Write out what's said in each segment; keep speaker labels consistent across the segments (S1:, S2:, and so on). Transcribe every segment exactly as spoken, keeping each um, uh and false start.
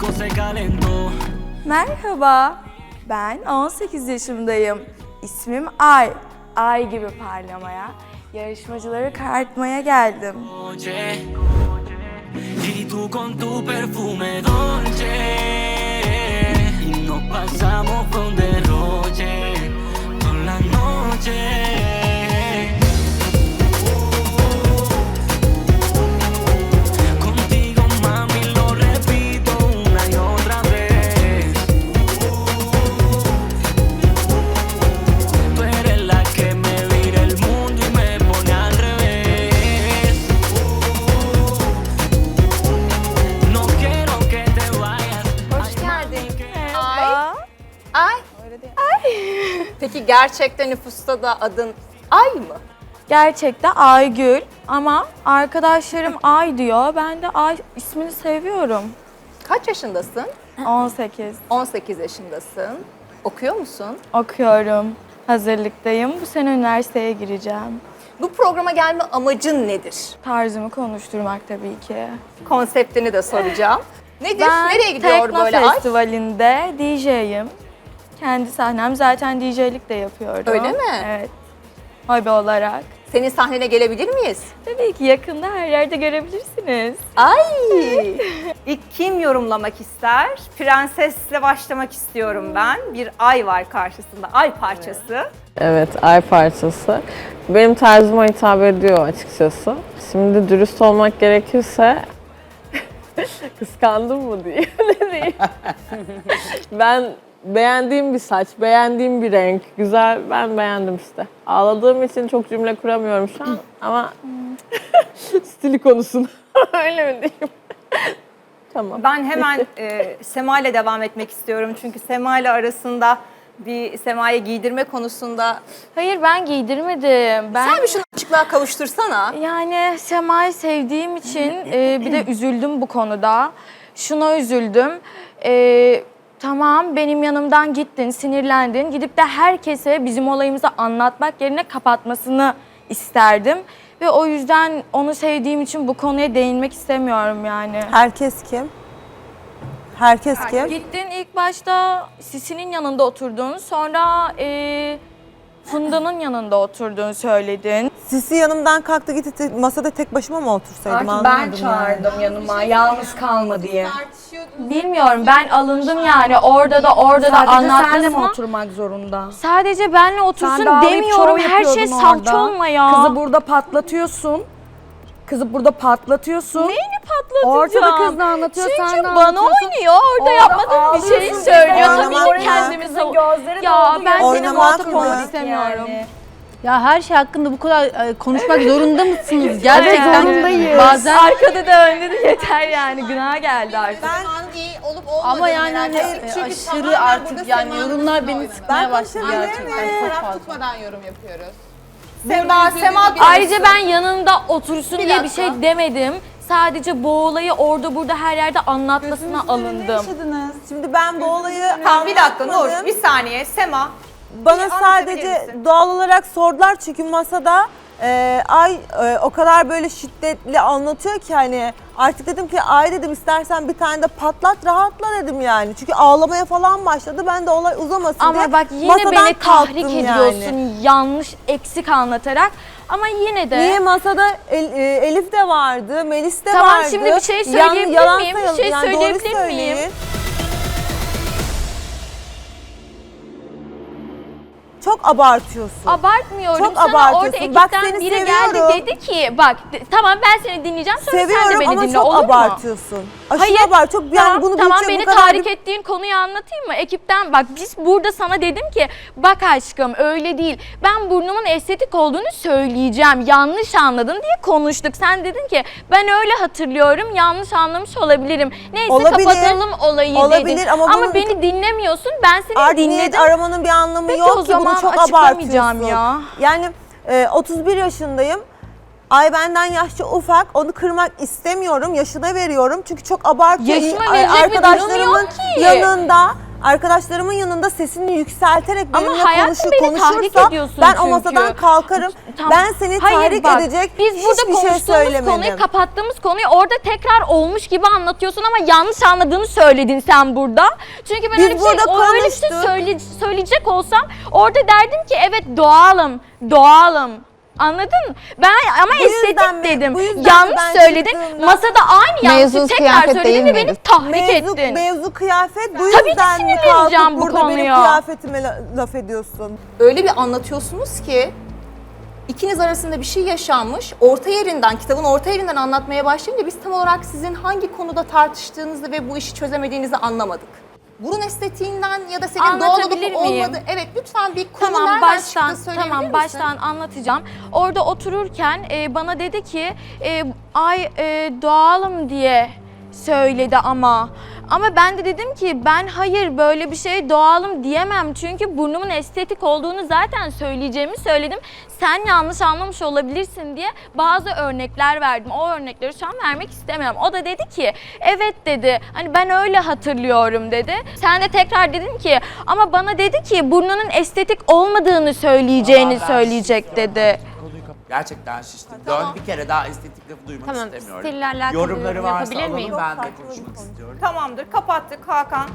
S1: Merhaba, ben on sekiz yaşındayım. İsmim Ay. Ay gibi parlamaya, yarışmacıları karartmaya geldim.
S2: Peki gerçekten nüfusta da adın Ay mı?
S1: Gerçekten Aygül ama arkadaşlarım Ay diyor. Ben de Ay ismini seviyorum.
S2: Kaç yaşındasın?
S1: on sekiz.
S2: on sekiz yaşındasın. Okuyor musun?
S1: Okuyorum. Hazırlıktayım. Bu sene üniversiteye gireceğim.
S2: Bu programa gelme amacın nedir?
S1: Tarzımı konuşturmak tabii ki.
S2: Konseptini de soracağım. Nedir?
S1: Ben
S2: Nereye gidiyor
S1: Tekno
S2: böyle Ay?
S1: Festivali'nde D J'yim. Kendi sahnem, zaten D J'lik de yapıyordum.
S2: Öyle mi?
S1: Evet. Hobi olarak.
S2: Senin sahnene gelebilir miyiz?
S1: Tabii ki yakında her yerde görebilirsiniz.
S2: Ay!
S3: İlk kim yorumlamak ister? Prensesle başlamak istiyorum ben. Bir ay var karşısında, ay parçası.
S4: Evet, ay parçası. Benim tarzıma hitap ediyor açıkçası. Şimdi dürüst olmak gerekirse kıskandım mı diye ne diyeyim. Ben beğendiğim bir saç, beğendiğim bir renk, güzel, ben beğendim işte. Ağladığım için çok cümle kuramıyorum şu an ama stili konusunda öyle mi diyeyim? Tamam.
S3: Ben hemen e, Sema ile devam etmek istiyorum çünkü Sema ile arasında bir Sema'ya giydirme konusunda...
S1: Hayır, ben giydirmedim. Ben
S2: Sen bir şunu açıklığa kavuştursana.
S1: yani Sema'yı sevdiğim için e, bir de üzüldüm bu konuda. Şuna üzüldüm. E, tamam, benim yanımdan gittin, sinirlendin. Gidip de herkese bizim olayımızı anlatmak yerine kapatmasını isterdim. Ve o yüzden onu sevdiğim için bu konuya değinmek istemiyorum yani.
S5: Herkes kim? Herkes kim?
S1: Gittin ilk başta Sisi'nin yanında oturdun, sonra e, Funda'nın yanında oturduğunu söyledin.
S5: Sisi yanımdan kalktı gitti, te- masada tek başıma mı otursaydım
S6: Artık ben
S5: anlamadım
S6: çağırdım yanıma, yalnız kalma diye.
S1: Bilmiyorum, ben alındım yani orada da orada da
S6: Sadece senle mi
S1: anlatmasına.
S6: oturmak zorunda?
S1: Sadece benle otursun
S6: Sen de ağlayıp
S1: demiyorum,
S6: şov
S1: her şey
S6: yapıyordun
S1: salça
S6: orada.
S1: olma ya.
S6: Kızı burada patlatıyorsun. Kızı burada patlatıyorsun.
S1: Neyini patlatacağım?
S6: Ortada kız da anlatıyor,
S1: Çünkü
S6: sen de
S1: bana
S6: anlatıyorsun.
S1: oynuyor, orada, yapmadığım bir şeyi
S6: ağlıyorsun,
S1: söylüyor.
S5: oynamak
S1: Tabii
S5: mı?
S1: ki kendimi
S6: Kızın
S1: sav-
S6: gözleri
S1: Ya
S6: doldu,
S1: ben
S6: gözleri
S1: senin
S5: Oynamak
S1: muhatap
S5: mı?
S1: olmak istemiyorum.
S6: Yani.
S7: Ya her şey hakkında bu kadar e, konuşmak zorunda mısınız? Gerçekten
S6: zorundayız.
S7: bazen
S1: Arkada da önde de yeter yani, günah geldi artık.
S7: ama yani hani e, aşırı artık yani yorumlar beni sıkmaya başladı gerçekten çok fazla.
S8: tutmadan yorum yapıyoruz.
S2: Sema, Sema
S1: Ayrıca ben yanında otursun
S2: Bir
S1: diye bir
S2: dakika.
S1: şey demedim. Sadece bu olayı orada burada her yerde anlatmasına alındım.
S5: yaşadınız? Şimdi ben bu olayı
S3: Tamam bir dakika Nur,
S5: anlatmadım.
S3: bir saniye Sema.
S5: Bana
S3: Bir
S5: sadece
S3: anlatabilir misin?
S5: doğal olarak sordular çünkü masada e, Ay e, o kadar böyle şiddetli anlatıyor ki hani artık dedim ki Ay dedim istersen bir tane de patlat rahatla dedim yani. Çünkü ağlamaya falan başladı, ben de olay uzamasın diye
S1: Ama bak yine
S5: masadan
S1: beni tahrik
S5: kalktım
S1: ediyorsun
S5: yani.
S1: yanlış, eksik anlatarak. Ama yine de...
S5: Niye masada El- e, Elif de vardı, Melis de
S1: Tamam,
S5: vardı.
S1: şimdi bir şey
S5: Yan-
S1: söyleyebilir
S5: yalan
S1: miyim? Bir
S5: sayalım,
S1: şey
S5: yani doğru
S1: söyleyebilir miyim?
S5: söyleyin. Çok abartıyorsun.
S1: Abartmıyorum.
S5: Çok
S1: Sana
S5: abartıyorsun.
S1: orada ekipten
S5: Bak seni
S1: biri
S5: seviyorum.
S1: geldi dedi ki bak de- tamam ben seni dinleyeceğim, sonra sen de
S5: Seviyorum
S1: beni
S5: ama
S1: dinle,
S5: çok
S1: olur mu?
S5: abartıyorsun. Aşırı
S1: Hayır,
S5: abart. Çok yani
S1: tamam,
S5: bunu
S1: tamam
S5: büyütecek
S1: beni
S5: bu kadar
S1: tahrik
S5: bir-
S1: ettiğin konuyu anlatayım mı? Ekipten bak biz burada sana dedim ki bak aşkım öyle değil. Ben burnumun estetik olduğunu söyleyeceğim. Yanlış anladın diye konuştuk. Sen dedin ki ben öyle hatırlıyorum, yanlış anlamış olabilirim. Neyse
S5: Olabilir.
S1: kapatalım olayı
S5: Olabilir
S1: dedin.
S5: ama
S1: Ama,
S5: bunun-
S1: beni dinlemiyorsun. Ben seni
S5: Art niyet
S1: dinledim.
S5: aramanın bir anlamı
S1: Peki
S5: yok
S1: o
S5: ki, bunu
S1: zaman
S5: çok
S1: açıklamayacağım
S5: abartıyorsun.
S1: ya.
S5: Yani e, otuz bir yaşındayım. Ay benden yaşça ufak. Onu kırmak istemiyorum. Yaşına veriyorum. Çünkü çok abartıyor.
S1: Yaşıma
S5: Ay,
S1: verecek bir durum
S5: arkadaşlarımın
S1: yok ki.
S5: yanında arkadaşlarımın yanında sesini yükselterek
S1: Ama
S5: benimle
S1: hayatım
S5: konuşur,
S1: beni tahrik
S5: konuşursa
S1: ediyorsun
S5: ben
S1: çünkü.
S5: o masadan kalkarım.
S1: Tamam.
S5: Ben seni
S1: Hayır,
S5: tahrik
S1: bak,
S5: edecek
S1: biz burada
S5: hiçbir şey
S1: konuştuğumuz
S5: söylemedim.
S1: konuyu, kapattığımız konuyu orada tekrar olmuş gibi anlatıyorsun ama yanlış anladığını söyledin sen burada. Çünkü ben
S5: Biz
S1: öyle bir şey,
S5: burada
S1: o öyle bir şey
S5: konuştuk.
S1: söyle, söyleyecek olsam orada derdim ki evet doğalım, doğalım. Anladın mı? Ben ama
S5: Bu yüzden
S1: estetik
S5: mi-
S1: dedim.
S5: bu yüzden
S1: Yanlış
S5: ben
S1: söyledin.
S5: çıktığımda-
S1: Masada aynı yanlışı
S2: Mevzu
S1: tekrar
S2: kıyafet
S1: söyledin
S2: değil
S1: ve beni
S2: miydi?
S1: tahrik
S5: Mevzu,
S1: ettin.
S5: mevzu kıyafet bu
S1: Tabii ki
S5: yüzden mi
S1: sinirleneceğim
S5: kalkıp
S1: bu
S5: burada benim
S1: konuya.
S5: kıyafetime la- laf ediyorsun?
S2: Öyle bir anlatıyorsunuz ki ikiniz arasında bir şey yaşanmış. Orta yerinden, kitabın orta yerinden anlatmaya başlayınca biz tam olarak sizin hangi konuda tartıştığınızı ve bu işi çözemediğinizi anlamadık. Burun estetiğinden ya da senin doğal olup
S1: Anlatabilir miyim?
S2: olmadığı... Evet, lütfen bir konu
S1: Tamam
S2: nereden
S1: baştan
S2: çıktı söyleyebilir
S1: tamam
S2: misin?
S1: baştan anlatacağım. Orada otururken e, bana dedi ki e, ay e, doğalım diye söyledi ama. Ama ben de dedim ki ben hayır böyle bir şey doğalım diyemem. Çünkü burnumun estetik olduğunu zaten söyleyeceğimi söyledim. Sen yanlış anlamış olabilirsin diye bazı örnekler verdim. O örnekleri şu an vermek istemiyorum. O da dedi ki evet dedi. Hani ben öyle hatırlıyorum dedi. Sen de tekrar dedin ki ama bana dedi ki burnunun estetik olmadığını söyleyeceğini
S8: Aa, ben
S1: söyleyecek
S8: şiştim.
S1: dedi.
S8: Konuyu kap- Gerçekten şiştim. Dön bir kere daha estetik lafı duymak
S7: Tamam,
S8: istemiyorum.
S7: stille alakalı
S8: Yorumları
S7: yorum
S8: varsa
S7: yapabilir
S8: alalım,
S7: miyim?
S8: ben de
S5: Çok farklı
S8: konuşmak
S5: bir konu.
S8: istiyorum.
S3: Tamamdır, kapattık Hakan.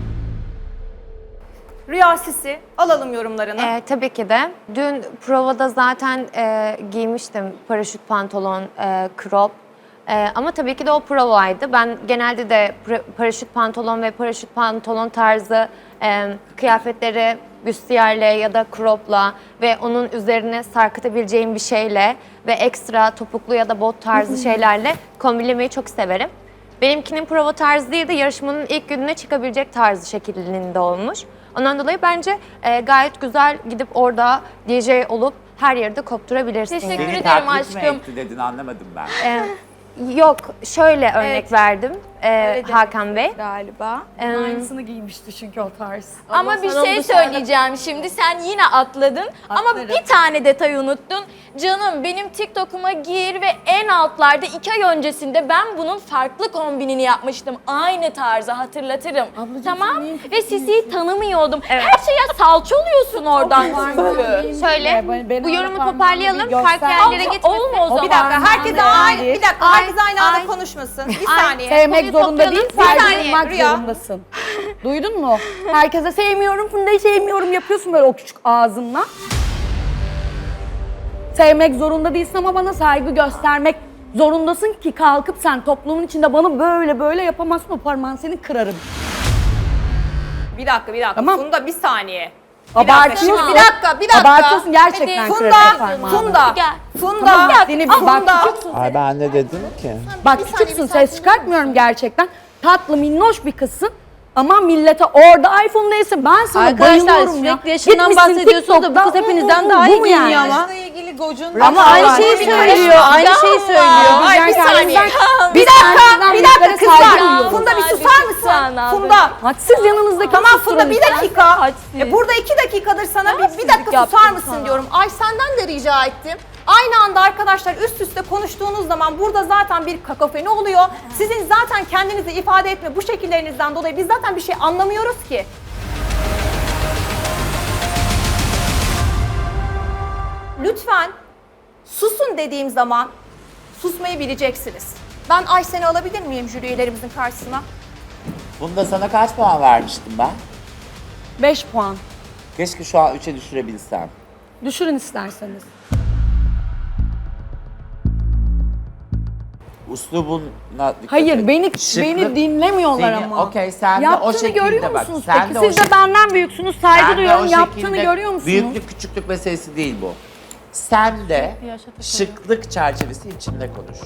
S3: Rüya Sisi, alalım yorumlarını.
S7: Ee, tabii ki de. Dün provada zaten e, giymiştim paraşüt pantolon, e, crop. E, ama tabii ki de o provaydı. Ben genelde de pra- paraşüt pantolon ve paraşüt pantolon tarzı e, kıyafetleri büstiyerle ya da cropla ve onun üzerine sarkıtabileceğim bir şeyle ve ekstra topuklu ya da bot tarzı şeylerle kombinlemeyi çok severim. Benimkinin prova tarzı değil de yarışmanın ilk gününe çıkabilecek tarzı şeklinde olmuş. Ondan dolayı bence e, gayet güzel gidip orada D J olup her yerde kopturabilirsin.
S1: Teşekkür
S7: yani.
S8: Beni
S1: ederim
S8: taklit mi
S1: aşkım.
S8: etti dedin anlamadım ben.
S7: E, yok, şöyle örnek
S1: Evet.
S7: verdim e,
S1: Öyle
S7: Hakan Bey.
S1: Galiba.
S7: E,
S6: Aynısını giymişti çünkü o tarz.
S1: Ama bir
S6: sana
S1: şey
S6: dışarıda-
S1: söyleyeceğim şimdi. Sen yine atladın ama
S6: Atlarım.
S1: bir tane detayı unuttun. Canım benim TikTok'uma gir ve en altlarda iki ay öncesinde ben bunun farklı kombinini yapmıştım. Aynı tarzı hatırlatırım. Tamam? Ve Sisi'yi tanımıyordum. Her şeye salça oluyorsun oradan çünkü.
S7: Şöyle,
S6: Ben- ben
S7: bu
S6: öyle
S7: yorumu
S6: parmağımı
S7: toparlayalım.
S6: bir
S7: Farklı
S6: göster-
S7: yerlere
S1: Ama
S7: gitmesin.
S1: olma o zaman.
S3: Bir dakika, herkes aynı, bir dakika,
S7: Ay,
S3: herkes aynı anda
S7: ay.
S3: konuşmasın. Bir
S7: Ay.
S3: saniye.
S6: Sevmek
S7: Konuyu
S6: zorunda
S7: toplayalım.
S6: değil,
S7: Bir
S6: saygı
S3: saniye,
S6: duymak
S3: Rüya.
S6: zorundasın. Duydun mu? Herkese sevmiyorum, Funda'yı sevmiyorum yapıyorsun böyle o küçük ağzınla. Sevmek zorunda değilsin ama bana saygı göstermek zorundasın ki kalkıp sen toplumun içinde bana böyle böyle yapamazsın, o parmağını seni kırarım.
S3: Bir dakika, bir dakika.
S6: Tamam.
S3: Funda bir saniye. Bir dakika,
S6: Abartıyorsun.
S3: şimdi bir dakika, bir dakika.
S6: Abartıyorsun gerçekten
S1: Hadi.
S6: kırarım
S3: Funda,
S6: parmağını.
S3: Funda,
S1: Gel.
S3: Funda,
S6: Tamam, seni bak
S3: Funda.
S6: küçüksün.
S8: Ay ben ne dedim ki?
S6: Bak küçüksün, ses çıkartmıyorum gerçekten. Tatlı, minnoş bir kızsın. Ama millete orada iPhone'daysa ben sana
S7: Arkadaşlar,
S6: bayılıyorum ya.
S7: sürekli yaşından
S6: Gitmişsin
S7: bahsediyorsunuz da bu kız
S6: TikTok'ta,
S7: hepinizden
S6: bu, bu,
S7: daha
S6: bu
S7: iyi
S6: mu
S7: giyiniyor
S6: yani?
S7: ama.
S2: ilgili gocun
S7: Ama aynı
S6: Ama
S7: şeyi
S6: bir
S7: söylüyor, aynı şeyi söylüyor.
S3: Ay bir saniye.
S6: Bir
S3: Bir dakika,
S6: dakika,
S3: bir dakika
S6: saygı
S3: kızlar.
S6: duyuyorum.
S3: Funda bir
S1: Hadi
S3: susar
S1: lütfen
S3: mısın?
S1: abi.
S3: Funda.
S6: Hadsiz yanınızdaki
S3: Tamam
S6: susturun
S3: Funda bir
S6: lütfen.
S3: dakika.
S1: Hadsiz.
S3: E, burada iki dakikadır sana bir, bir
S1: Hadsizlik
S3: dakika
S1: yaptım
S3: susar mısın
S1: sana.
S3: diyorum. Ay senden de rica ettim. Aynı anda arkadaşlar üst üste konuştuğunuz zaman burada zaten bir kakofoni oluyor. Sizin zaten kendinizi ifade etme bu şekillerinizden dolayı biz zaten bir şey anlamıyoruz ki. Lütfen susun dediğim zaman susmayı bileceksiniz. Ben Aysen'i alabilir miyim jüri üyelerimizin karşısına?
S8: Bunda sana kaç puan vermiştim ben?
S6: Beş puan.
S8: Keşke şu an üçe düşürebilsem.
S6: Düşürün isterseniz.
S8: Uslubuna dikkat
S6: Hayır,
S8: et.
S6: beni
S8: Şıklık-
S6: beni dinlemiyorlar
S8: Seni-
S6: ama.
S8: okey, sen de
S6: Yaptığını
S8: o şekilde
S6: görüyor
S8: bak,
S6: musunuz
S8: sen
S6: peki?
S8: de o
S6: Siz de
S8: şekilde-
S6: benden büyüksünüz, saygı
S8: Sen de
S6: duyuyorum.
S8: o
S6: Yaptığını
S8: şekilde-
S6: görüyor musunuz?
S8: Büyüklük küçüklük meselesi değil bu. Sen de şıklık çerçevesi içinde konuş.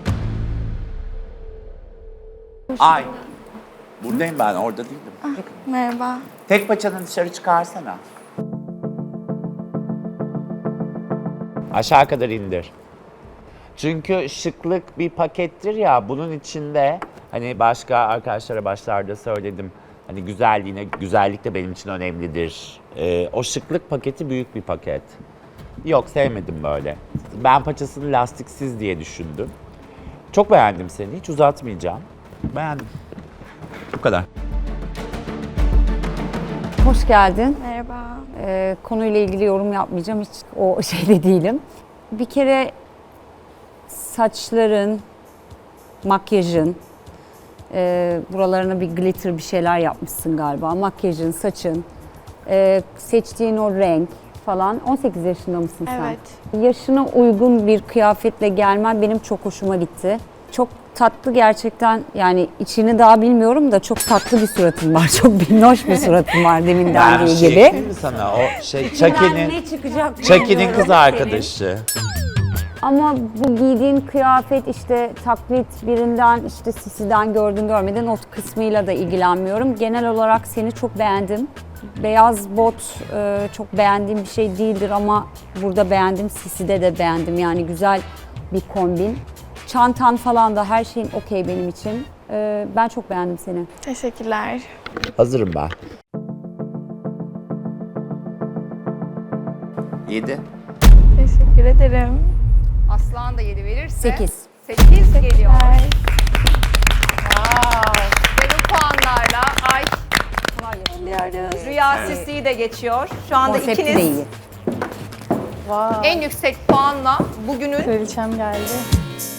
S8: Ay. Buradayım ben, orada değildim.
S1: Merhaba.
S8: Tek paçanı dışarı çıkarsana. Aşağı kadar indir. Çünkü şıklık bir pakettir ya, bunun içinde hani başka arkadaşlara başlarda söyledim. Hani güzelliğine, güzellik de benim için önemlidir. Ee, o şıklık paketi büyük bir paket. Yok, sevmedim böyle. Ben paçasını lastiksiz diye düşündüm. Çok beğendim seni, hiç uzatmayacağım. Beğendim. Bu kadar.
S9: hoş geldin.
S1: Merhaba.
S9: Ee, konuyla ilgili yorum yapmayacağım. Hiç o şeyde değilim. Bir kere saçların, makyajın, e, buralarına bir glitter bir şeyler yapmışsın galiba. Makyajın, saçın, e, seçtiğin o renk falan. on sekiz yaşında mısın sen?
S1: Evet.
S9: Yaşına uygun bir kıyafetle gelmen benim çok hoşuma gitti. Çok tatlı gerçekten, yani içini daha bilmiyorum da çok tatlı bir suratın var. Çok minnoş bir suratın var deminden
S8: Ben
S9: dediği
S8: şey
S9: gibi.
S8: diyeyim mi sana? O şey Chucky'nin
S9: Ne çıkacak
S8: Chucky'nin
S9: bilmiyorum
S8: kız
S9: senin.
S8: arkadaşı.
S9: Ama bu giydiğin kıyafet işte taklit birinden, işte Sisi'den gördün görmedin, o kısmıyla da ilgilenmiyorum. Genel olarak seni çok beğendim. Beyaz bot e, çok beğendiğim bir şey değildir ama burada beğendim. Sisi'de de beğendim, yani güzel bir kombin. Çantan falan da her şeyin okey benim için. E, ben çok beğendim seni.
S1: Teşekkürler.
S8: Hazırım ben. Yedi.
S1: Teşekkür ederim.
S2: Aslan da yedi verirse.
S9: Sekiz.
S2: sekiz geliyor. Wow. Ve bu puanlarla Ay Rüya Sisi'yi de geçiyor. Şu anda
S9: Konsepti de
S2: ikiniz
S9: iyi.
S2: en yüksek puanla bugünün
S1: Kraliçem geldi.